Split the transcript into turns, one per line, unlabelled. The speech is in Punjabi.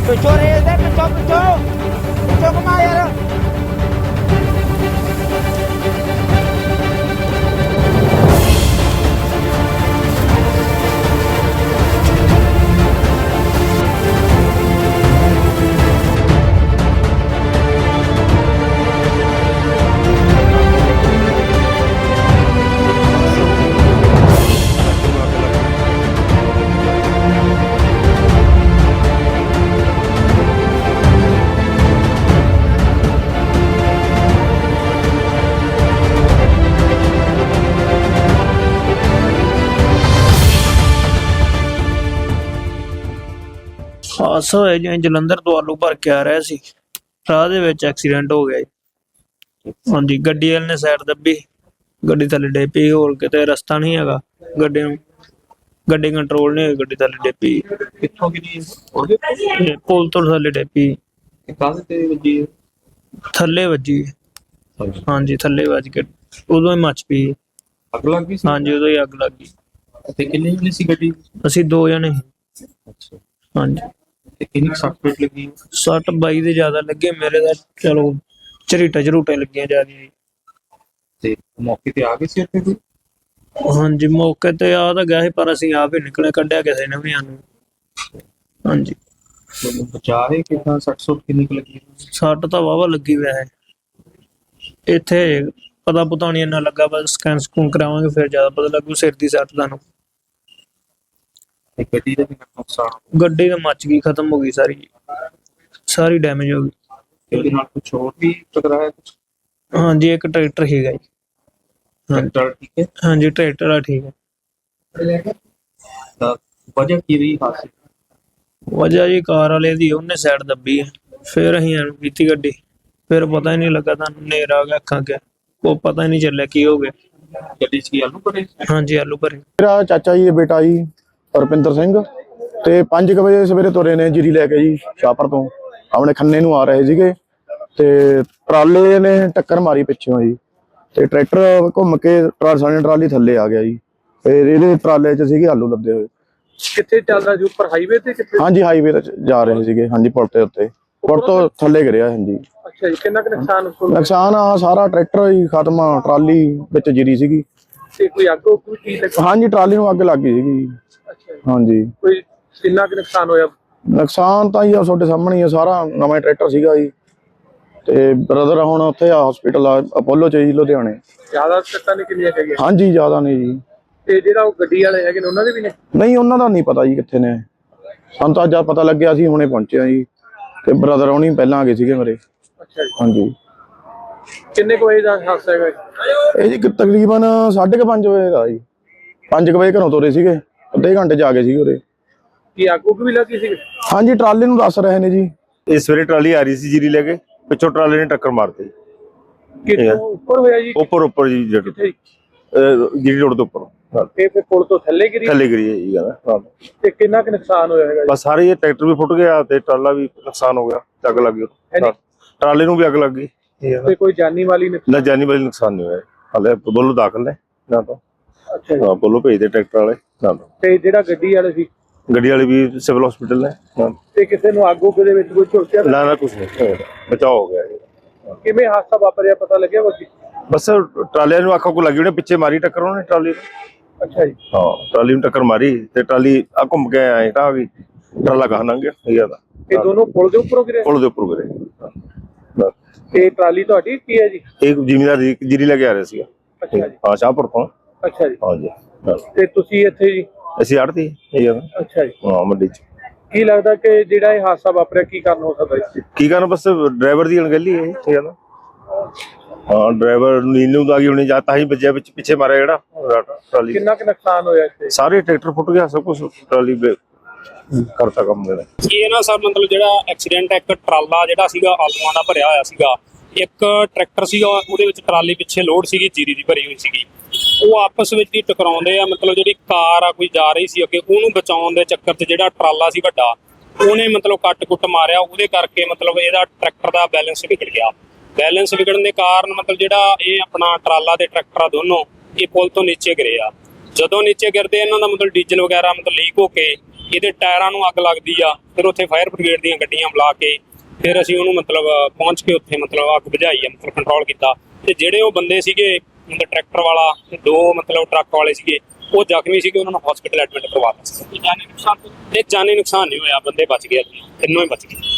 ਪਿੱਛੋਂ ਰੇਸ ਦੇ ਪਿੱਛੋਂ ਘੁਮਾ ਯਾਰ। ਹਾਦਸਾ ਹੋਇਆ ਜਿਵੇਂ ਜਲੰਧਰ ਤੋਂ ਆਲੂ ਭਰ ਕੇ ਆ ਰਿਹਾ ਸੀ, ਰਾਹ ਦੇ ਵਿੱਚ ਐਕਸੀਡੈਂਟ ਹੋ ਗਿਆ ਜੀ। ਹਾਂਜੀ, ਗੱਡੀ ਵਾਲੇ ਨੇ ਸਾਈਡ ਦੱਬੀ, ਗੱਡੀ ਥੱਲੇ ਡੇ ਪਈ। ਹੋਰ ਕਿਤੇ ਰਸਤਾ ਨਹੀਂ ਹੈਗਾ ਗੱਡੀ ਨੂੰ, ਗੱਡੀ ਕੰਟਰੋਲ ਨਹੀਂ ਹੋਈ, ਗੱਡੀ ਥੱਲੇ ਡੇ ਪਈ।
ਕਿੱਥੋਂ ਕਿਨੀ
ਪੁਲ ਤੋਂ ਥੱਲੇ ਡੇ ਪਈ,
ਕਾਹਦੇ ਤੇ ਵੱਜੀ?
ਥੱਲੇ ਵੱਜੀ। ਹਾਂਜੀ, ਥੱਲੇ ਵੱਜ ਕੇ ਉਦੋਂ ਹੀ ਮੱਚ ਪਈ।
ਅੱਗ ਲੱਗ ਗਈ ਸੀ?
ਹਾਂਜੀ, ਉਦੋਂ ਹੀ ਅੱਗ ਲੱਗ ਗਈ।
ਤੇ ਕਿੰਨੇ ਜਣੇ ਸੀ ਗੱਡੀ?
ਅਸੀਂ 2 ਜਣੇ।
ਅੱਛਾ,
ਹਾਂਜੀ।
ਤੇ ਕਿੰਨੀ ਸੱਟ ਫੇਟ ਲੱਗੀ?
60 22 ਦੇ ਜ਼ਿਆਦਾ ਲੱਗੇ, ਮੇਰੇ ਦਾ ਚਲੋ ਝਰੀਟਾਂ ਲੱਗੀਆਂ ਜ਼ਿਆਦਾ।
ਤੇ ਮੌਕੇ ਤੇ ਆ ਗਏ ਸੀ ਇੱਥੇ?
ਹਾਂਜੀ, ਮੌਕੇ ਤੇ ਆ ਤਾਂ ਗਿਆ ਸੀ, ਪਰ ਅਸੀਂ ਆਪ ਹੀ ਨਿਕਲੇ, ਕੱਢਿਆ ਕਿਸੇ ਨੇ ਵੀ ਸਾਨੂੰ। ਹਾਂਜੀ,
ਬਚਾ ਰਹੇ ਕਿੰਨਾ? 60 ਕਿੰਨੀ ਕੁ ਲੱਗੀ?
ਸੱਟ ਤਾਂ ਵਾਹਵਾ ਲੱਗੀ ਵੈਸੇ, ਇੱਥੇ ਪਤਾ ਪੁਤਾ ਨਹੀਂ ਇੰਨਾ ਲੱਗਾ, ਬਸ ਸਕੈਨ ਸਕੂਨ ਕਰਾਵਾਂਗੇ ਫਿਰ ਜ਼ਿਆਦਾ ਪਤਾ ਲੱਗੂ। ਸਿਰ ਦੀ ਸੱਟ ਤੁਹਾਨੂੰ।
ਗੱਡੀ ਦਾ ਵੀ ਨੁਕਸਾਨ?
ਗੱਡੀ ਤਾਂ ਮੱਚ ਗਈ, ਖਤਮ ਹੋ ਗਈ, ਸਾਰੀ ਡੈਮੇਜ ਹੋ ਗਈ।
ਇਹਦੇ ਨਾਲ ਕੁਛ ਹੋਰ ਵੀ ਟਕਰਾਇਆ?
ਹਾਂਜੀ, ਇੱਕ ਟਰੈਕਟਰ ਸੀਗਾ ਜੀ।
ਟਰੈਕਟਰ ਠੀਕ ਹੈ?
ਹਾਂਜੀ, ਟਰੈਕਟਰ ਵਾਲਾ ਠੀਕ ਹੈ।
ਤਾਂ ਵਜ੍ਹਾ ਕੀ ਰਹੀ ਹਾਦਸੇ?
ਵਜ੍ਹਾ ਜੀ ਕਾਰ ਵਾਲੇ ਦੀ, ਉਹਨੇ ਸਾਈਡ ਦੱਬੀ ਹੈ, ਫਿਰ ਅਸੀਂ ਇਹਨੂੰ ਕੀਤੀ ਗੱਡੀ, ਫਿਰ ਪਤਾ ਹੀ ਨਹੀਂ ਲੱਗਾ, ਤੁਹਾਨੂੰ ਹਨੇਰਾ ਆ ਗਿਆ ਅੱਖਾਂ ਅੱਗੇ, ਉਹ ਪਤਾ ਹੀ ਨਹੀਂ ਚੱਲਿਆ ਕੀ ਹੋ ਗਿਆ।
ਗੱਡੀ 'ਚ ਕੀ ਆਲੂ ਭਰੇ?
ਹਾਂਜੀ, ਆਲੂ ਭਰੇ।
ਮੇਰਾ ਚਾਚਾ ਜੀ ਦਾ ਬੇਟਾ ਜੀ ਰੁਪਿੰਦਰ ਸਿੰਘ ਤੇ 5 ਵਜੇ ਸਵੇਰੇ ਤੁਰੇ ਨੇ ਜੀਰੀ ਲੈ ਕੇ ਜੀ, ਸ਼ਾਹਪੁਰ ਤੋਂ ਆਪਣੇ ਖੰਨੇ ਨੂੰ ਆ ਰਹੇ ਸੀਗੇ ਤੇ ਟਰਾਲੇ ਨੇ ਟੱਕਰ ਮਾਰੀ ਪਿੱਛੋਂ ਜੀ, ਤੇ ਟਰੈਕਟਰ ਘੁੰਮ ਕੇ ਟਰਾਲੀ ਥੱਲੇ ਆ ਗਿਆ ਜੀ। ਫਿਰ ਇਹਦੇ ਟਰਾਲੇ 'ਚ ਸੀਗੇ ਆਲੂ ਲੱਦੇ ਹੋਏ।
ਕਿੱਥੇ ਚੱਲਦਾ ਜੀ? ਉੱਪਰ ਹਾਈਵੇ ਤੇ? ਕਿੱਥੇ?
ਹਾਂਜੀ, ਹਾਈਵੇ ਤੇ ਜਾ ਰਹੇ ਸੀਗੇ। ਹਾਂਜੀ, ਪੁਲ ਦੇ ਉੱਤੇ, ਪੁਲ ਤੋਂ ਥੱਲੇ ਗਿਰਿਆ। ਹਾਂਜੀ।
ਅੱਛਾ ਜੀ, ਕਿੰਨਾ ਕੁ
ਨੁਕਸਾਨ ਆ ਸਾਰਾ ਟਰੈਕਟਰ ਹੀ ਖਤਮ ਆ, ਟਰਾਲੀ ਵਿੱਚ ਜੀਰੀ ਸੀਗੀ।
ਤੇ ਕੋਈ ਅੱਗ ਉੱਗ ਵੀ?
ਹਾਂਜੀ, ਟਰਾਲੀ ਨੂੰ ਅੱਗ ਲੱਗ ਗਈ ਸੀਗੀ।
ਅੱਛਾ ਜੀ।
ਹਾਂਜੀ।
ਕੋਈ ਕਿੰਨਾ ਕੁ ਨੁਕਸਾਨ ਹੋਇਆ?
ਨੁਕਸਾਨ ਤਾਂ ਜੀ ਆ ਤੁਹਾਡੇ ਸਾਹਮਣੇ ਹੀ ਆ, ਸਾਰਾ ਨਵਾਂ ਟਰੈਕਟਰ ਸੀਗਾ ਜੀ। ਤੇ ਬ੍ਰਦਰ ਹੁਣ ਉੱਥੇ ਆ ਹਸਪੀਟਲ ਆ ਅਪੋਲੋ ਚ ਜੀ, ਲੁਧਿਆਣੇ।
ਜ਼ਿਆਦਾ ਸੱਟਾਂ ਨੇ ਕਿੰਨੀਆਂ ਹੈਗੀਆਂ?
ਹਾਂਜੀ, ਜ਼ਿਆਦਾ ਨਹੀਂ ਜੀ।
ਤੇ ਜਿਹੜਾ ਉਹ ਗੱਡੀ ਵਾਲੇ ਹੈਗੇ ਨੇ ਉਹਨਾਂ ਦੇ ਵੀ ਨੇ?
ਨਹੀਂ, ਉਹਨਾਂ ਦਾ ਨਹੀਂ ਪਤਾ ਜੀ ਕਿੱਥੇ ਨੇ, ਸਾਨੂੰ ਤਾਂ ਜਦ ਪਤਾ ਲੱਗਿਆ ਸੀ ਹੁਣੇ ਪਹੁੰਚੇ ਆ ਜੀ, ਤੇ ਬ੍ਰਦਰ ਹੋਣੀ ਪਹਿਲਾਂ ਆ ਗਏ ਸੀਗੇ ਮੇਰੇ।
ਅੱਛਾ ਜੀ।
ਹਾਂਜੀ।
ਕਿੰਨੇ ਕੁ ਵਜੇ ਦਾ ਹਾਦਸਾ ਹੈਗਾ?
ਇਹ ਜੀ ਤਕਰੀਬਨ 5:30 ਵਜੇ ਦਾ ਜੀ। 5 ਵਜੇ ਘਰੋਂ ਤੁਰੇ ਸੀਗੇ, ਅੱਧੇ ਘੰਟੇ ਚ ਆ ਗਏ ਸੀਗੇ ਉਰੇ।
ਕੀ ਅੱਗ ਉੱਗ ਵੀ ਲੱਗੀ ਸੀ?
ਹਾਂਜੀ, ਟਰਾਲੇ ਨੂੰ ਦੱਸ ਰਹੇ ਨੇ ਜੀ।
ਇਸ ਵੇਲੇ ਟਰਾਲੀ ਆ ਰਹੀ ਸੀ ਜੀਰੀ ਲੈ ਕੇ, ਪਿੱਛੋਂ ਟਰਾਲੇ ਨੇ ਟੱਕਰ ਮਾਰਤੀ।
ਕਿੱਥੋਂ ਉੱਪਰ ਹੋਇਆ ਜੀ?
ਉੱਪਰ ਜੀ,
ਕਿੱਥੇ?
ਜੀਰੀ ਰੋਡ ਦੇ ਉੱਪਰ।
ਤੇ ਫਿਰ ਪੁਲ ਤੋਂ ਥੱਲੇ ਗਿਰੀ ਹੈ
ਜੀ ਕਹਿੰਦਾ।
ਤੇ ਕਿੰਨਾ ਕੁ ਨੁਕਸਾਨ ਹੋਇਆ ਹੈਗਾ?
ਬਸ ਸਾਰੇ ਇਹ ਟਰੈਕਟਰ ਵੀ ਫੁੱਟ ਗਿਆ ਤੇ ਟਰਾਲਾ ਵੀ ਨੁਕਸਾਨ ਹੋ ਗਿਆ, ਅੱਗ ਲੱਗ ਗਈ, ਟਰਾਲੇ ਨੂੰ ਵੀ ਅੱਗ ਲੱਗ ਗਈ।
ਤੇ ਕੋਈ ਜਾਨੀ ਵਾਲੀ
ਨਾ ਜਾਨੀ ਵਾਲੀ ਨੁਕਸਾਨ ਨਹੀਂ ਹੋਇਆ, ਹਾਲੇ ਬੋਲੋ ਦਾਖਲ ਨੇ ਨਾ ਤਾਂ।
ਅੱਛਾ ਜੀ।
ਬੋਲੋ ਭੇਜਦੇ ਟਰੈਕਟਰ ਵਾਲੇ ਨਾ।
ਤੇ ਜਿਹੜਾ ਗੱਡੀ ਵਾਲੇ ਸੀ?
ਗੱਡੀ ਵਾਲੇ ਵੀ ਸਿਵਲ ਹਸਪੀਟਲ ਨੇ।
ਤੇ ਕਿਸੇ ਨੂੰ ਅੱਗ ਉੱਗ ਦੇ ਵਿੱਚ ਕੋਈ ਝੁਲਸਿਆ?
ਨਾ ਕੁਛ ਨਹੀਂ, ਬਚਾਅ ਹੋ ਗਿਆ।
ਕਿਵੇਂ ਹਾਦਸਾ ਵਾਪਰਿਆ ਪਤਾ ਲੱਗਿਆ?
ਬਸ ਟਰਾਲਿਆਂ ਨੂੰ ਅੱਖਾਂ ਕੋ ਲੱਗੀ, ਉਹਨੇ ਪਿੱਛੇ ਮਾਰੀ ਟੱਕਰ, ਉਹਨੇ ਟਰਾਲੀ ਨੂੰ।
ਅੱਛਾ ਜੀ।
ਹਾਂ, ਟਰਾਲੀ ਨੂੰ ਟੱਕਰ ਮਾਰੀ ਤੇ ਟਰਾਲੀ ਆ ਘੁੰਮ ਕੇ ਆਏ ਤਾਂ ਆ ਗਈ, ਟਰਾਲਾ ਕਹਾਂ ਲੰਘ ਗਿਆ।
ਇਹ ਦੋਨੋਂ ਪੁਲ ਦੇ ਉੱਪਰੋਂ ਗਿਰੇ?
ਪੁਲ ਦੇ ਉੱਪਰ ਗਿਰੇ।
ਤੇ ਟਰਾਲੀ ਤੁਹਾਡੀ ਕੀ ਹੈ ਜੀ?
ਇੱਕ ਜ਼ਿਮੀਂਦਾਰ ਜੀਰੀ ਲੈ ਕੇ ਆ ਰਿਹਾ ਸੀਗਾ।
ਅੱਛਾ ਜੀ।
ਹਾਂ, ਸ਼ਾਹਪੁਰ ਤੋਂ।
ਅੱਛਾ ਜੀ।
ਹਾਂਜੀ।
ਤੇ ਤੁਸੀਂ ਇੱਥੇ ਜੀ?
ਅਸੀਂ ਆੜਤੀ
ਅੱਛਾ ਜੀ।
ਹਾਂ, ਮੰਡੀ ਚ।
ਕੀ ਲੱਗਦਾ ਕਿ ਜਿਹੜਾ ਇਹ ਹਾਦਸਾ ਵਾਪਰਿਆ ਕੀ ਕਾਰਨ ਹੋ ਸਕਦਾ ਜੀ?
ਕੀ ਕਾਰਨ? ਬਸ ਡਰਾਈਵਰ ਦੀ ਅਣਗਹਿਲੀ ਹੈ ਇਹ ਗੱਲ। ਹਾਂ, ਡਰਾਈਵਰ ਨੀਂਦ ਨੂੰ ਆ ਗਈ ਹੋਣੀ, ਜਾਂ ਤਾਂ ਹੀ ਵੱਜਿਆ ਵਿੱਚ, ਪਿੱਛੇ ਮਾਰਿਆ ਜਿਹੜਾ ਟਰਾਲੀ।
ਕਿੰਨਾ ਕੁ ਨੁਕਸਾਨ ਹੋਇਆ ਇੱਥੇ?
ਸਾਰੇ ਟਰੈਕਟਰ ਫੁੱਟ ਗਿਆ, ਸਭ ਕੁਝ ਟਰਾਲੀ ਕਰਤਾ ਕੰਮ ਮੇਰਾ।
ਇਹ ਨਾ ਸਰ ਮਤਲਬ ਜਿਹੜਾ ਐਕਸੀਡੈਂਟ, ਇੱਕ ਟਰਾਲਾ ਜਿਹੜਾ ਸੀਗਾ ਆਲੂਆਂ ਦਾ ਭਰਿਆ ਹੋਇਆ ਸੀਗਾ, ਇੱਕ ਟਰੈਕਟਰ ਸੀਗਾ, ਉਹਦੇ ਵਿੱਚ ਟਰਾਲੀ ਪਿੱਛੇ ਲੋਡ ਸੀਗੀ ਜੀਰੀ ਦੀ ਭਰੀ ਹੋਈ ਸੀਗੀ, ਉਹ ਆਪਸ ਵਿੱਚ ਹੀ ਟਕਰਾਉਂਦੇ ਆ। ਮਤਲਬ ਜਿਹੜੀ ਕਾਰ ਆ ਕੋਈ ਜਾ ਰਹੀ ਸੀ ਅੱਗੇ, ਉਹਨੂੰ ਬਚਾਉਣ ਦੇ ਚੱਕਰ 'ਚ ਜਿਹੜਾ ਟਰਾਲਾ ਸੀ ਵੱਡਾ, ਉਹਨੇ ਮਤਲਬ ਕੱਟ-ਕੁੱਟ ਮਾਰਿਆ, ਉਹਦੇ ਕਰਕੇ ਮਤਲਬ ਇਹਦਾ ਟਰੈਕਟਰ ਦਾ ਬੈਲੈਂਸ ਵਿਗੜ ਗਿਆ। ਬੈਲੈਂਸ ਵਿਗੜਨ ਦੇ ਕਾਰਨ ਮਤਲਬ ਜਿਹੜਾ ਇਹ ਆਪਣਾ ਟਰਾਲਾ ਤੇ ਟਰੈਕਟਰ ਆ ਦੋਨੋਂ ਇਹ ਪੁਲ ਤੋਂ ਨੀਚੇ ਗਿਰੇ ਆ। ਜਦੋਂ ਨੀਚੇ ਗਿਰਦੇ ਇਹਨਾਂ ਦਾ ਮਤਲਬ ਡੀਜ਼ਲ ਵਗੈਰਾ ਮਤਲਬ ਲੀਕ ਹੋ ਕੇ ਇਹਦੇ ਟਾਇਰਾਂ ਨੂੰ ਅੱਗ ਲੱਗਦੀ ਆ। ਫਿਰ ਉੱਥੇ ਫਾਇਰ ਬ੍ਰਿਗੇਡ ਦੀਆਂ ਗੱਡੀਆਂ ਬੁਲਾ ਕੇ ਫਿਰ ਅਸੀਂ ਉਹਨੂੰ ਮਤਲਬ ਪਹੁੰਚ ਕੇ ਉੱਥੇ ਮਤਲਬ ਅੱਗ ਬੁਝਾਈ ਆ, ਮਤਲਬ ਕੰਟਰੋਲ ਕੀਤਾ। ਤੇ ਜਿਹੜੇ ਉਹ ਬੰਦੇ ਸੀਗੇ ਮਤਲਬ ਟਰੈਕਟਰ ਵਾਲਾ ਤੇ 2 ਮਤਲਬ ਟਰੱਕ ਵਾਲੇ ਸੀਗੇ, ਉਹ ਜ਼ਖਮੀ ਸੀਗੇ, ਉਹਨਾਂ ਨੂੰ ਹਸਪੀਟਲ ਐਡਮਿਟ ਕਰਵਾਤਾ ਸੀ। ਜਾਨੀ ਨੁਕਸਾਨ ਨਹੀਂ ਹੋਇਆ, ਬੰਦੇ ਬਚ ਗਏ, ਤਿੰਨੋਂ ਹੀ ਬਚ ਗਏ।